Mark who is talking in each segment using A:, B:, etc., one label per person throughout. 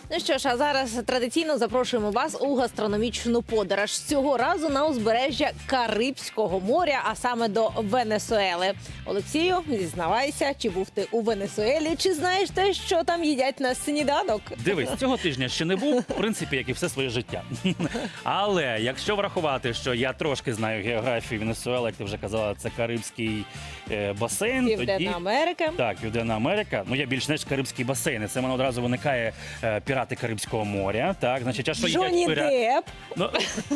A: Ну що ж, а зараз традиційно запрошуємо вас у гастрономічну подорож. Цього разу на узбережжя Карибського моря, а саме до Венесуели. Олексію, зізнавайся, чи був ти у Венесуелі, чи знаєш те, що там їдять на сніданок?
B: Дивись, цього тижня ще не був, в принципі, як і все своє життя. Але якщо врахувати, що я трошки знаю географію Венесуели, як ти вже казала, це Карибський басейн.
A: Південна Америка.
B: Так, Південна Америка. Ну, я більш ніж Карибський басейн. І це в мене одразу виникає пірати Карибського моря. Так, значить, а що
A: Джонні
B: їдять
A: Депп.
B: Ну,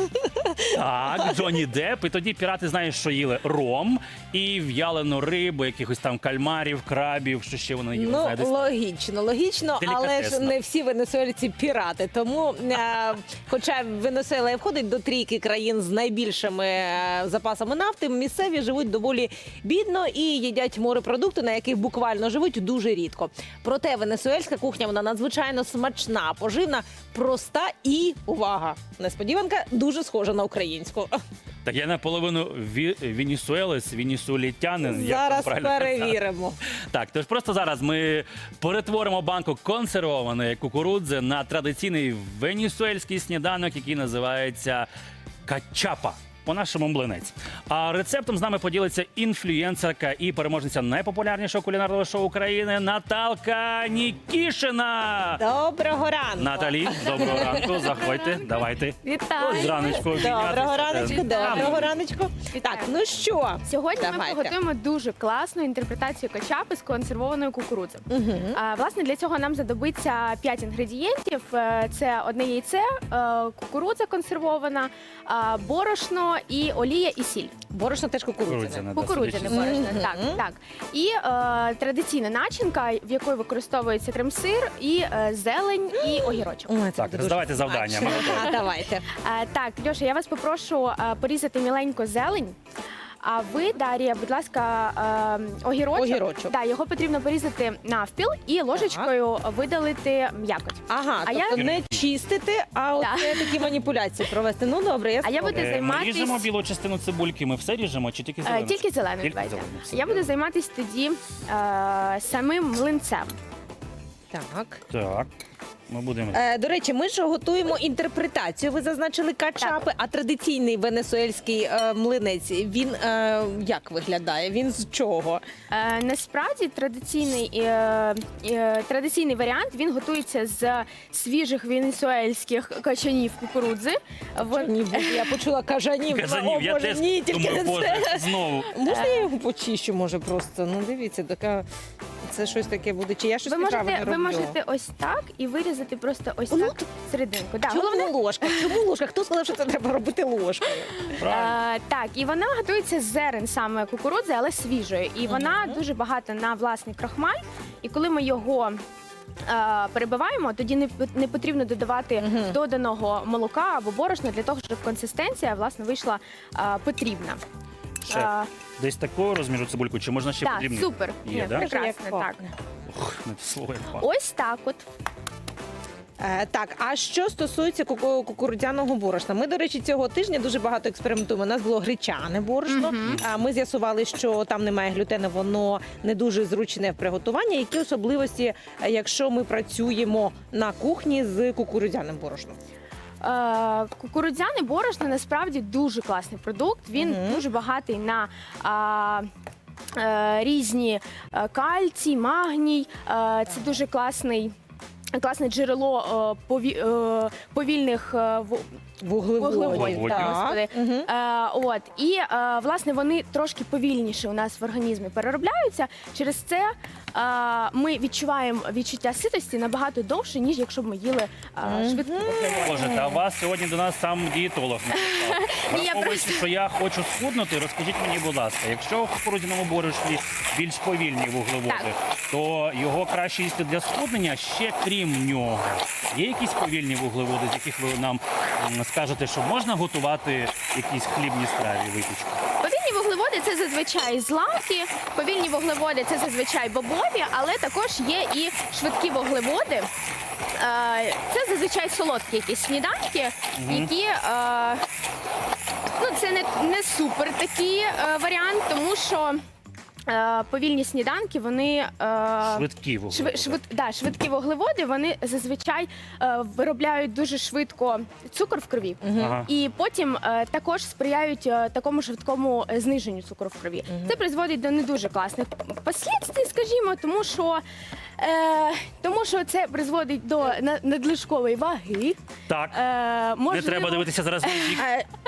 B: так, Джонні Депп. І тоді пірати, знаєш, що їли ром і в'ялену рибу, якихось там кальмарів, крабів, що ще вони їли.
A: Ну,
B: знаєте.
A: логічно, але ж
B: Делікатесно.
A: не всі венесуельці пірати. Тому, хоча Венесуела і входить до трійки країн з найбільшими запасами нафти, місцеві живуть доволі бідно і їдять морепродукти, на яких буквально живуть дуже рідко. Проте венесуельська кухня, вона надзвичайно смачна, поживна, проста і, увага, несподіванка, дуже схожа на українську.
B: Так я наполовину венесуелець, венесуелітянин. як
A: Зараз
B: там правильно казати.
A: перевіримо.
B: Так, тож просто зараз ми перетворимо банку консервованої кукурудзи на традиційний венесуельський сніданок, який називається качапа. По-нашому млинець. А рецептом з нами поділиться інфлюєнсерка і переможниця найпопулярнішого кулінарного шоу України Наталка Нікішина.
A: Доброго ранку.
B: Наталі, доброго ранку, заходьте, давайте.
C: Вітаю!
B: Ось зраночку
A: Доброго раночку,
C: Вітаю.
A: доброго раночку.
C: Вітаю.
A: Так, ну що?
C: Сьогодні ми
A: Давайте.
C: приготуємо дуже класну інтерпретацію качапи з консервованої кукурудзи. Власне, для цього нам знадобиться 5 інгредієнтів. Це одне яйце, кукурудза консервована, борошно і олія і сіль.
A: Борошно теж кукурудзяне.
B: Кукурудзяне, да,
C: Кукурудзяне
B: судячи з-
C: борошно, так, так. І традиційна начинка, в якої використовується крем-сир, і зелень, і огірочок.
A: Ой, це
B: Так,
A: буде дуже
B: роздавайте завдання,
A: смачно.
B: ми готові.
A: А, давайте.
C: Так, Льоша, я вас попрошу порізати міленько зелень. А ви, Дар'я, будь ласка, огірочок.
A: Огірочок.
C: Да, його потрібно порізати навпіл і ложечкою видалити м'якоть.
A: Ага,
C: А
A: тобто
C: я-
A: не чистити, а от такі маніпуляції провести. Ну, добре, я
C: А я
A: спробую.
C: буду
B: Ми
C: займатись-
B: ріжемо білу частину цибульки, ми все ріжемо чи тільки зелену?
C: Тільки зеленою,
B: Тільки
C: давайте.
B: зелену, все.
C: Я буду займатися тоді самим млинцем.
A: Так.
B: Так, ми будемо...
A: До речі, ми ж готуємо інтерпретацію. Ви зазначили качапи, а традиційний венесуельський млинець, він як виглядає? Він з чого?
C: Насправді традиційний варіант, він готується з свіжих венесуельських качанів кукурудзи.
A: Ні, я почула кажанів.
B: Казанів,
A: О,
B: я
A: Боже,
B: теж
A: ні, тільки
B: думаю,
A: не
B: боже,
A: це.
B: знову.
A: Можна я його почищу, може, просто? Ну, дивіться, така... Це щось таке буде. Чи я щось неправильно роблю?
C: Ви можете ось так і вирізати просто ось
A: Ну,
C: так серединку. Да,
A: Чому
C: головне,
A: ложка? Чому ложка? Хто сказав, що це треба робити ложкою?
B: Правильно.
C: так, і вона готується з зерен саме кукурудзи, але свіжої. І вона дуже багата на власний крахмаль. І коли ми його перебиваємо, тоді не потрібно додавати доданого молока або борошна для того, щоб консистенція власне вийшла потрібна.
B: Шеф, десь такого розміру цибульку, чи можна ще
C: Так,
B: подрібнити?
C: супер.
B: Є,
C: Ні,
B: да?
C: прекрасно,
A: Як
C: так.
A: пахне.
B: Ох, не те слово, як пахне.
C: Ось так от.
A: Так, а що стосується кукурудзяного борошна? Ми, до речі, цього тижня дуже багато експериментуємо. У нас було гречане борошно. Ми з'ясували, що там немає глютену, воно не дуже зручне в приготуванні. Які особливості, якщо ми працюємо на кухні з кукурудзяним борошном?
C: Кукурудзяне борошно насправді дуже класний продукт. Він дуже багатий на різні кальцій, магній. Це дуже класне джерело повільних вуглеводів.
A: Так.
C: І власне вони трошки повільніше у нас в організмі переробляються. Через це ми відчуваємо відчуття ситості набагато довше, ніж якщо б ми їли швидко.
B: Боже, та у вас сьогодні до нас сам дієтолог написав.
C: Ні, я
B: Враховуючи,
C: просто-
B: що я хочу схуднути, розкажіть мені, будь ласка, якщо в кукурудзяному борошні більш повільні вуглеводи,
C: Так.
B: то його краще їсти для схуднення, ще крім нього. Є якісь повільні вуглеводи, з яких ви нам скажете, що можна готувати якісь хлібні страві, випічку?
C: Повільні вуглеводи це зазвичай злаки, повільні вуглеводи це зазвичай бобові, але також є і швидкі вуглеводи. Це зазвичай солодкі якісь сніданки, які це не супер такий варіант, тому що повільні сніданки, вони
B: Швидкі вуглеводи.
C: швидкі вуглеводи, вони зазвичай виробляють дуже швидко цукор в крові.
B: Ага.
C: І потім також сприяють такому швидкому зниженню цукру в крові. Це призводить до не дуже класних послідствий, скажімо, тому що це призводить до надлишкової ваги.
B: Так, не треба дивитися зараз на бік.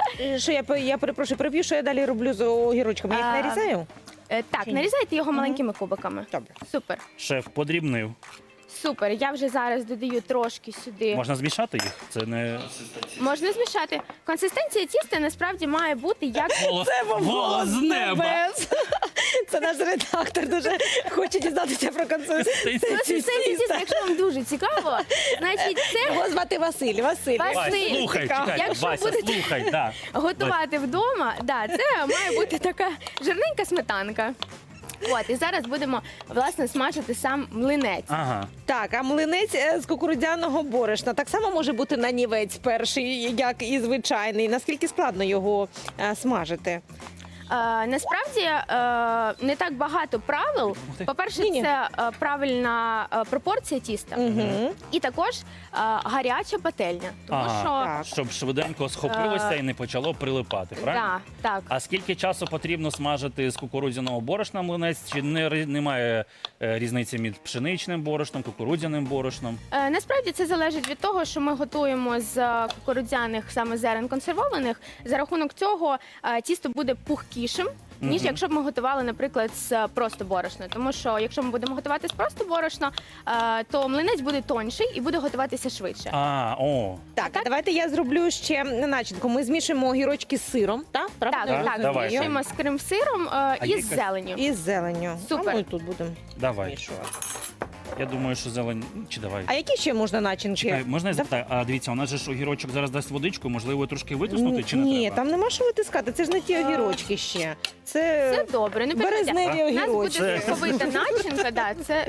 A: Що я перепрошую, переб'ю, що я далі роблю з огірочками? Я їх нарізаю?
C: Так, нарізайте його маленькими кубиками.
A: Добре.
C: Супер.
B: Шеф подрібнив.
C: Супер. Я вже зараз додаю трошки сюди.
B: Можна змішати їх? Це не
C: Можна змішати. Консистенція тіста насправді має бути як
B: голос з неба.
A: Небес. Це наш редактор дуже хоче дізнатися про консистенцію
C: консистенція тіста. Якщо вам дуже цікаво, значить це
A: Його звати Василь.
C: Василь.
B: Вась, слухай, чекай,
C: Якщо
B: Вася,
C: будете-
B: слухай, да.
C: готувати вдома. Да, це має бути така жирненька сметанка. От, і зараз будемо, власне, смажити сам млинець.
B: Ага.
A: Так, а млинець з кукурудзяного борошна так само може бути нанівець перший, як і звичайний. Наскільки складно його смажити?
C: Насправді не так багато правил. По-перше,
A: Ні-ні.
C: це правильна пропорція тіста.
A: Угу.
C: І також гаряча пательня. Тому
B: Ага.
C: що
A: Так.
B: Щоб швиденько схопилося і не почало прилипати, правильно?
C: так.
B: А скільки часу потрібно смажити з кукурудзяного борошна млинець? Чи немає різниці між пшеничним борошном, кукурудзяним борошном?
C: Насправді це залежить від того, що ми готуємо з кукурудзяних саме зерен консервованих. За рахунок цього тісто буде пухкішим, ніж якщо б ми готували, наприклад, з просто борошна. Тому що якщо ми будемо готувати з просто борошна, то млинець буде тонший і буде готуватися швидше.
A: Так, давайте я зроблю ще начинку. Ми змішуємо огірочки з сиром, так? Правда?
C: Так,
B: Так, давай.
C: змішуємо з крем-сиром і
B: є
C: з зеленню.
A: І з зеленню.
C: Супер.
A: А ми тут будемо
B: Давай.
A: змішувати.
B: Я думаю, що зелень. Чи давай?
A: А які ще можна начинки?
B: Чекай, можна я запитаю? А дивіться, у нас же ж огірочок зараз дасть водичку, можливо, трошки витиснути чи не
A: Ні,
B: треба?
A: там нема що витискати, це ж не ті огірочки ще. Це
C: Це добре, не переживайте.
A: березневі
C: У нас буде
A: огірочки.
C: соковита начинка, да, це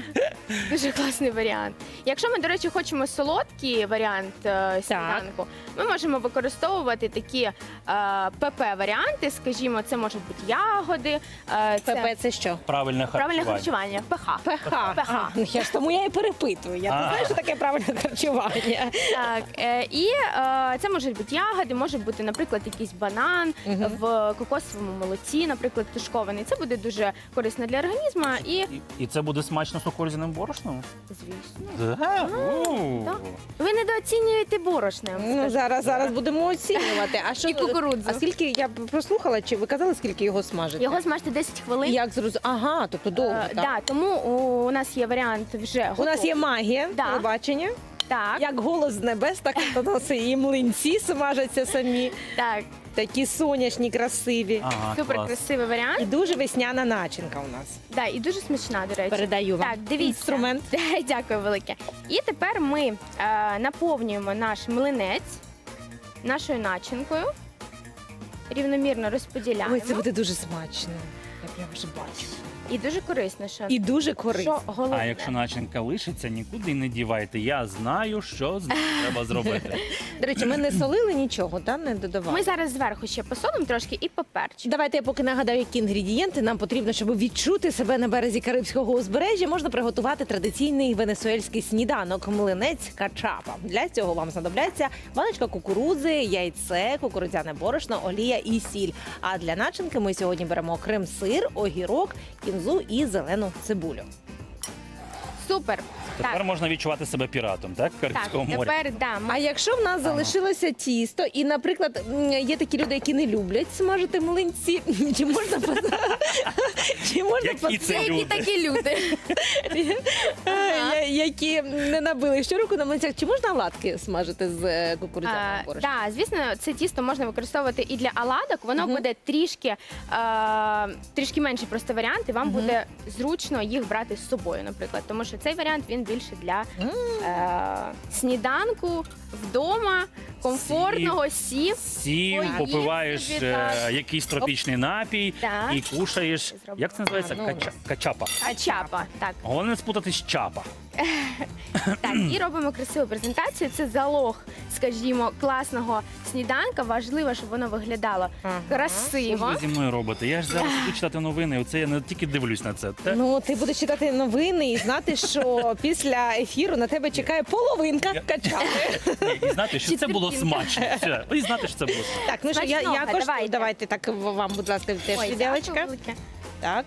C: дуже класний варіант. Якщо ми, до речі, хочемо солодкий варіант сніданку, ми можемо використовувати такі ПП-варіанти, скажімо, це можуть бути ягоди,
A: ПП це що?
B: Правильне
C: правильне
B: харчування.
C: харчування, ПХ.
A: ПХ. Ну, я ж тому я і перепитую. Я не знаю, що таке правильне харчування.
C: Так, і це можуть бути ягоди, може бути, наприклад, якийсь банан в кокосовому молоці, наприклад, тушкований. Це буде дуже корисно для організму і,
B: І це буде смачно з кукурудзяним борошном?
C: звісно,
B: Да?
C: так. Ви недооцінюєте борошне.
A: Ну, зараз будемо оцінювати. А що
C: І кукурудзу.
A: А скільки я прослухала, чи ви казали, скільки його смажити?
C: Його смажте 10 хвилин.
A: Як зрозуміти? Ага, тобто довго. так?
C: Да, тому у нас є варіант вже
A: У нас є магія
C: Да.
A: телебачення.
C: Так,
A: Як голос з небес, так і у нас і млинці смажаться самі.
C: так,
A: Такі сонячні, красиві.
B: Ага,
C: супер
B: клас.
C: красивий варіант.
A: І дуже весняна начинка у нас.
C: Да, і дуже смачна, до речі.
A: Передаю вам
C: Так, дивіться.
A: інструмент.
C: Дякую велике. І тепер ми наповнюємо наш млинець нашою начинкою. Рівномірно розподіляємо.
A: Ой, це буде дуже смачно. Я прямо вже бачу.
C: І дуже корисно, що,
A: І дуже корисно.
C: що головне.
B: А якщо начинка лишиться, нікуди не дівайте. Я знаю, що з ним треба зробити.
A: До речі, ми не солили нічого, та не додавали.
C: Ми зараз зверху ще посолимо трошки і поперчимо.
A: Давайте я поки нагадаю, які інгредієнти нам потрібно, щоб відчути себе на березі Карибського узбережжя. Можна приготувати традиційний венесуельський сніданок млинець качапа. Для цього вам знадобляться баночка кукурудзи, яйце, кукурудзяне борошно, олія і сіль. А для начинки ми сьогодні беремо крем-сир, огірок, кінзу і зелену цибулю.
C: Супер.
B: Тепер
C: Так,
B: можна відчувати себе піратом, так?
C: так,
B: Карибського моря.
C: тепер да,
A: А якщо в нас залишилося тісто, і, наприклад, є такі люди, які не люблять смажити млинці, чи можна чи можна
B: Які це
C: які
B: люди?
C: такі люди.
A: які не набили щороку на млинцях, чи можна оладки смажити з кукурудзяного борошна?
C: Так, звісно, це тісто можна використовувати і для оладок. Воно буде трішки менший просто варіант, і вам буде зручно їх брати з собою, наприклад. Тому що цей варіант він більше для сніданку вдома, комфортного, сів.
B: Сів,
C: Поїв
B: попиваєш
C: собі, так.
B: якийсь тропічний напій
C: Так.
B: і кушаєш.
C: Зроблю.
B: Як це називається?
A: Ну.
B: Качапа.
C: А чапа, так.
B: Головне не спутати з чапа.
C: Так, і робимо красиву презентацію. Це залог, скажімо, класного сніданка. Важливо, щоб воно виглядало
A: Ага.
B: Що ж
C: красиво.
B: ви зі мною робите? Я ж зараз буду читати новини, оце я не тільки дивлюсь на це.
A: Ну, ти будеш читати новини і знати, що після ефіру на тебе чекає половинка качапи.
B: Ні, і знати, що це було
C: Четвертинка.
B: смачно. Все, і знати, що це було смачно.
A: Так, ну що, я
C: Смачного,
A: коштую.
C: давайте.
A: Давайте так вам, будь ласка, теж
C: Ой,
A: відділочка.
C: дякую велике.
A: Так.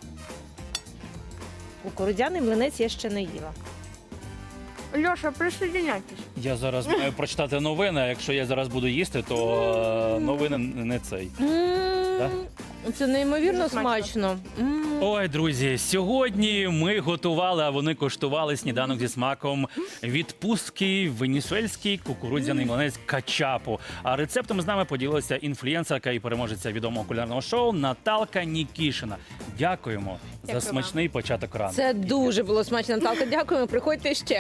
A: Кукурудзяний млинець я ще не їла.
C: Льоша, присоединяйтесь.
B: Я зараз маю прочитати новини, а якщо я зараз буду їсти, то новини не цей. Да?
A: Це неймовірно
C: Дуже смачно.
A: смачно.
B: Ой, друзі, сьогодні ми готували, а вони коштували сніданок зі смаком відпустки венесуельський кукурудзяний млинець качапу. А рецептом з нами поділилася інфлюенсерка і переможеця відомого кулінарного шоу Наталка Нікішина. Дякуємо
C: Дякую
B: за
C: вам.
B: смачний початок ранку.
A: Це дуже було смачно, Наталка. Дякуємо. Приходьте ще.